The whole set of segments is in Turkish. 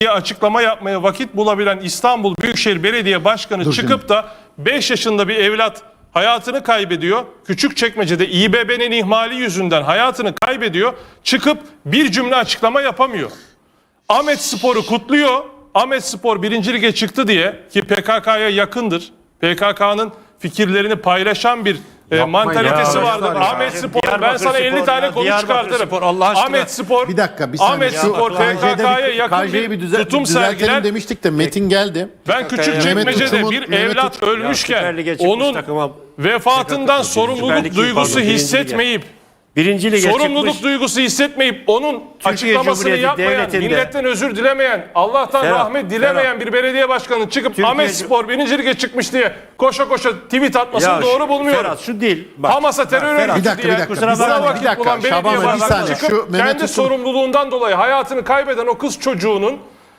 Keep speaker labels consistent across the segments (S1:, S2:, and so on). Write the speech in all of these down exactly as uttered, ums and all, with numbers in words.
S1: açıklama yapmaya vakit bulabilen İstanbul Büyükşehir Belediye Başkanı
S2: Dur
S1: çıkıp
S2: şimdi.
S1: da beş yaşında bir evlat hayatını kaybediyor. Küçükçekmece'de İBB'nin ihmali yüzünden hayatını kaybediyor. Çıkıp bir cümle açıklama yapamıyor. Ahmetspor'u kutluyor. Ahmetspor birinci lige çıktı diye, ki P K K'ya yakındır. P K K'nın fikirlerini paylaşan bir e, mantalitesi
S3: ya,
S1: vardır.
S3: ya.
S1: Ahmetspor, ben sana elli tane konu çıkartırım. Ahmetspor,
S2: Bir dakika bir saniye.
S1: Ahmetspor P K K'ya yakın
S2: K J'yi
S1: bir
S2: bir düzel
S1: tutum
S2: düzeltelim
S1: sergiler.
S2: demiştik de Metin geldi.
S1: Ben Küçükçekmece'de
S2: Mehmet
S1: bir
S2: Tutum'un-
S1: evlat
S2: Mehmet
S1: ölmüşken
S4: Lige çıkmış
S1: onun
S4: takıma
S1: vefatından
S4: Süper
S1: sorumluluk
S4: Lig,
S1: duygusu
S4: pardon, birinci
S1: hissetmeyip
S4: Birinci lige
S1: sorumluluk
S4: çıkmış.
S1: duygusu hissetmeyip onun açıklamasını
S4: Cumhuriyeti
S1: yapmayan,
S4: Devleti'nde-
S1: milletten özür dilemeyen, Allah'tan
S4: Ferhat,
S1: rahmet dilemeyen bir belediye başkanı çıkıp
S4: Türkiye-
S1: Ahmetspor birinci lige çıkmış diye koşa koşa tweet atmasını
S4: Ya,
S1: doğru bulmuyorum.
S4: Ferhat şu değil. Bak,
S1: Hamas'a terör
S4: Ferhat,
S1: örgütü
S2: bir dakika,
S1: diye
S2: bir dakika,
S1: kusura
S2: bir
S1: bakma,
S2: saniye,
S1: vakit
S2: bir dakika.
S1: bulan belediye
S2: Şaban Bey, bir
S1: başkanı
S2: saniye.
S1: çıkıp
S2: Şu Mehmet
S1: kendi
S2: Tutum-
S1: sorumluluğundan dolayı hayatını kaybeden o kız çocuğunun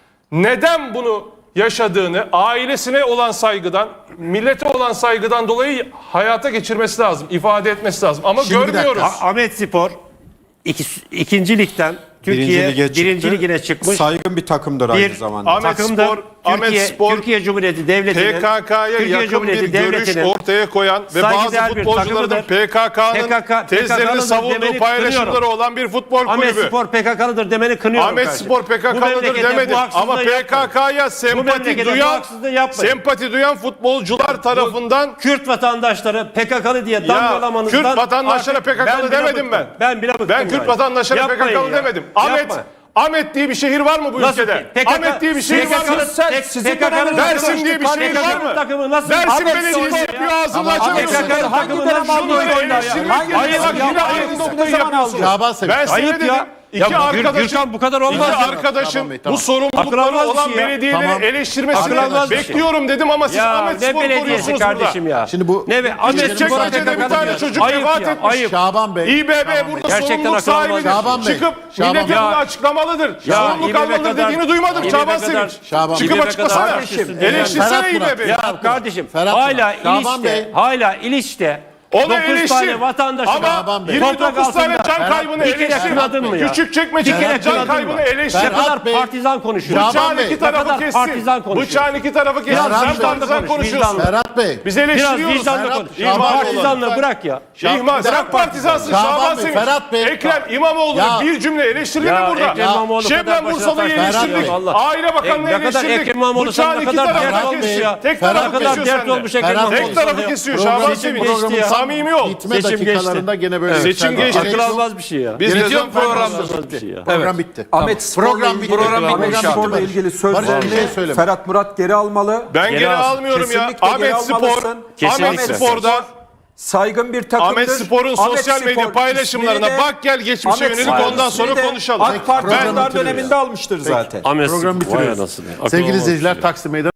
S1: neden bunu yaşadığını, ailesine olan saygıdan, millete olan saygıdan dolayı hayata geçirmesi lazım, ifade etmesi lazım. Ama
S2: Şimdi bir dakika.
S1: görmüyoruz.
S4: Ah- Ahmetspor iki, ikinci ligden Türkiye birinci,
S3: çıktı.
S4: ligine çıkmış.
S3: Saygın bir takımdır
S4: Bir
S3: aynı zamanda.
S1: Ahmet
S4: takımdır.
S1: Spor, Ahmet
S4: Türkiye,
S1: Spor,
S4: Türkiye Cumhuriyeti Devleti'nin
S1: P K K'ya
S4: Türkiye
S1: yakın bir
S4: Cumhuriyeti
S1: görüş
S4: Devleti'nin
S1: ortaya koyan ve bazı
S4: saygıdeğer bir
S1: futbolcuların
S4: takımıdır.
S1: P K K'nın
S4: P K K
S1: tezlerini
S4: P K K'nın
S1: savunduğu
S4: demeni
S1: paylaşımları
S4: kınıyorum.
S1: olan bir futbol kulübü.
S4: Ahmetspor P K K'lıdır demeni kınıyorum.
S1: Ahmet
S4: kardeşim.
S1: Spor P K
S4: Bu
S1: K'lıdır
S4: memlekete
S1: demedim
S4: bu haksızlığı
S1: ama P K
S4: yapmayın.
S1: K'ya
S4: Bu
S1: sempati
S4: memlekete bu
S1: duyan
S4: haksızlığı yapmayın.
S1: sempati duyan futbolcular tarafından
S4: Kürt vatandaşları P K K'lı diye
S1: ya
S4: damgalamanızdan
S1: Kürt vatandaşlara
S4: artık
S1: P K K'lı
S4: ben bile
S1: demedim ben.
S4: bıktım. Ben bile bıktım.
S1: Ben Kürt
S4: yani.
S1: vatandaşlara P K
S4: Yapmayın
S1: K'lı
S4: ya.
S1: demedim. Ahmet
S4: Yapma.
S1: Ahmet diye bir şehir var mı bu
S4: Nasıl
S1: ülkede?
S4: ki? P K K
S1: Ahmet diye bir şehir var mı?
S4: P K K'nın
S1: Dersim diye bir şehir var mı?
S4: takımı nasıl?
S1: Dersim
S4: Ahmet
S1: Belediyesi
S4: Spor
S1: yapıyor
S4: ya.
S1: ağzını
S2: Ama
S1: açamıyorsun.
S2: Ahmet Spor
S4: hangi dönem aldı
S1: Şunları
S4: oyunu ya?
S1: eleştirmek
S4: Hangi
S1: yerine
S4: dönem
S1: bak yine
S4: aldı?
S1: aynı noktayı yapıyorsun.
S2: Şaban Sevinç.
S1: Ben
S4: Ayıp
S1: söyledim.
S4: ya.
S1: İki
S4: Ya
S1: arkadaşım,
S4: Gürkan bu kadar olmaz
S1: iki
S4: ya.
S1: arkadaşım
S2: Tamam bey, tamam.
S1: bu sorumlulukları
S4: Akıl almaz
S1: olan
S4: bir şey ya.
S1: belediyeleri
S2: Tamam.
S1: eleştirmesini
S4: Akıl almaz bir şey.
S1: bekliyorum dedim ama siz
S4: Ya
S1: Ahmet
S4: ne
S1: Spor
S4: belediyesi
S1: koruyorsunuz
S4: kardeşim
S1: burada.
S4: ya.
S2: Şimdi bu
S4: ne be Ahmet Spor
S1: Küçükçekmece'de bir tane çocuk
S4: Ayıp
S1: vefat
S4: ya,
S1: etmiş.
S4: ayıp.
S2: Şaban Bey.
S1: İBB burada
S4: Gerçekten
S1: sorumluluk
S4: akıl almaz.
S1: sahibidir.
S2: Şaban Bey.
S1: Çıkıp
S2: Şaban
S1: millete
S2: Bey.
S1: bunu açıklamalıdır.
S4: Ya
S1: Sorumluluk
S4: İBB
S1: alınır
S4: kadar-
S1: dediğini duymadım
S4: İBB
S1: Şaban
S4: kadar-
S1: Sevinç.
S2: Şaban
S1: Çıkıp
S4: Bey.
S1: açıklasana.
S4: Kardeşim,
S1: Eleştirsene
S2: Ferhat Murat.
S1: İBB'yi.
S4: Ya kardeşim
S2: Ferhat
S4: hala
S2: Murat. Şaban Bey.
S4: İliç'te, hala İliç'te
S1: Onu
S4: dokuz
S1: eleştir.
S4: tane vatandaşın
S1: Ama
S2: Şaban Bey.
S1: yirmi dokuz tane
S4: altında
S1: can kaybını
S4: bir kere
S1: eleştir.
S4: kınadın mı ya?
S1: Küçükçekmece'de
S4: Bir kere
S1: can
S4: kınadın
S1: kaybını
S4: mı?
S1: eleştir.
S4: Ne
S2: Ferhat
S4: kadar
S2: Bey.
S4: partizan konuşuyor.
S2: Şaban
S1: Bıçağın
S2: Bey.
S1: iki
S4: Ne
S1: tarafı
S4: kadar
S1: kessin.
S4: partizan konuşuyor.
S1: Bıçağın iki tarafı kessin.
S2: Ferhat
S1: Sen
S2: Bey.
S1: partizan
S4: Konuş,
S1: konuşuyorsun.
S4: vicdanlı.
S2: Ferhat Bey.
S1: Biz
S4: Biraz
S1: eleştiriyoruz.
S4: vicdanla
S2: Ferhat-
S4: konuş.
S2: Şaban
S4: İhmal
S2: Bey.
S4: partizanlığı bırak ya.
S1: İhmal, bırak partizansın
S2: Şaban
S1: Şaban
S2: Bey,
S1: Sevinç.
S2: Ferhat Bey.
S1: Ekrem İmamoğlu'nu
S2: Ya.
S1: bir cümle eleştirdin mi
S4: Ya
S1: burada?
S4: Ekrem İmamoğlu kadar
S1: Şebnem
S4: başına
S1: Bursalı'yı
S4: taş-
S1: eleştirdik.
S2: Ferhat Bey.
S1: Aile Bakanı'nı
S4: E, ne kadar
S1: eleştirdik.
S4: Ekrem İmamoğlu sen
S1: Bıçağın
S4: ne
S1: iki
S4: kadar
S1: tarafı
S4: dert
S1: kesiyor.
S2: olmuş ya.
S1: Tek
S2: Ferhat
S1: tarafı
S4: Ne kadar
S1: kesiyor
S4: dert
S1: sende.
S4: olmuş Ekrem
S2: Ferhat Bey.
S4: İmamoğlu
S1: Tek tarafı
S4: sana ya.
S1: kesiyor
S2: Program
S1: Şaban
S2: geçti
S1: Sevinç.
S4: ya.
S1: Samimi ol.
S2: Bitme
S4: Seçim
S2: dakikalarında gene böyle.
S1: Seçim
S2: yükseldi.
S1: geçti.
S4: Akıl almaz bir şey ya.
S1: Biz
S3: Biz
S1: ne zaman
S3: programda
S4: Almaz bir şey ya.
S2: Program bitti.
S5: Ahmet Spor'la
S2: Program
S5: ilgili,
S2: bitti.
S5: Ahmet
S2: Program bitti.
S5: Spor'la ilgili
S2: Barış
S5: sözlerini
S2: bir şey söyleme.
S5: Ferhat Murat geri almalı.
S1: Ben geri,
S4: Geri al.
S1: almıyorum ya.
S5: Kesinlikle geri
S1: Ahmet Spor,
S5: almalısın.
S4: Kesinlikle.
S1: Ahmet Spor'da
S5: Saygın bir takımdır.
S1: Ahmet Spor'un
S5: Ahmet
S1: sosyal medya
S5: Spor
S1: paylaşımlarına
S5: ismini de-
S1: bak gel geçmişe
S5: Ahmet
S1: yönelik
S5: Spor
S1: ondan sonra
S5: ismini de
S1: konuşalım.
S5: AK Parti
S2: Program
S5: iktidar
S2: bitiriyor
S5: döneminde almıştır zaten.
S4: Ahmet
S2: Program
S4: Spor, vay
S2: bitiriyoruz.
S4: anasını. Akıl
S2: Sevgili
S4: almaz bir
S2: izleyiciler,
S4: şey ya.
S2: Taksim Meydanı.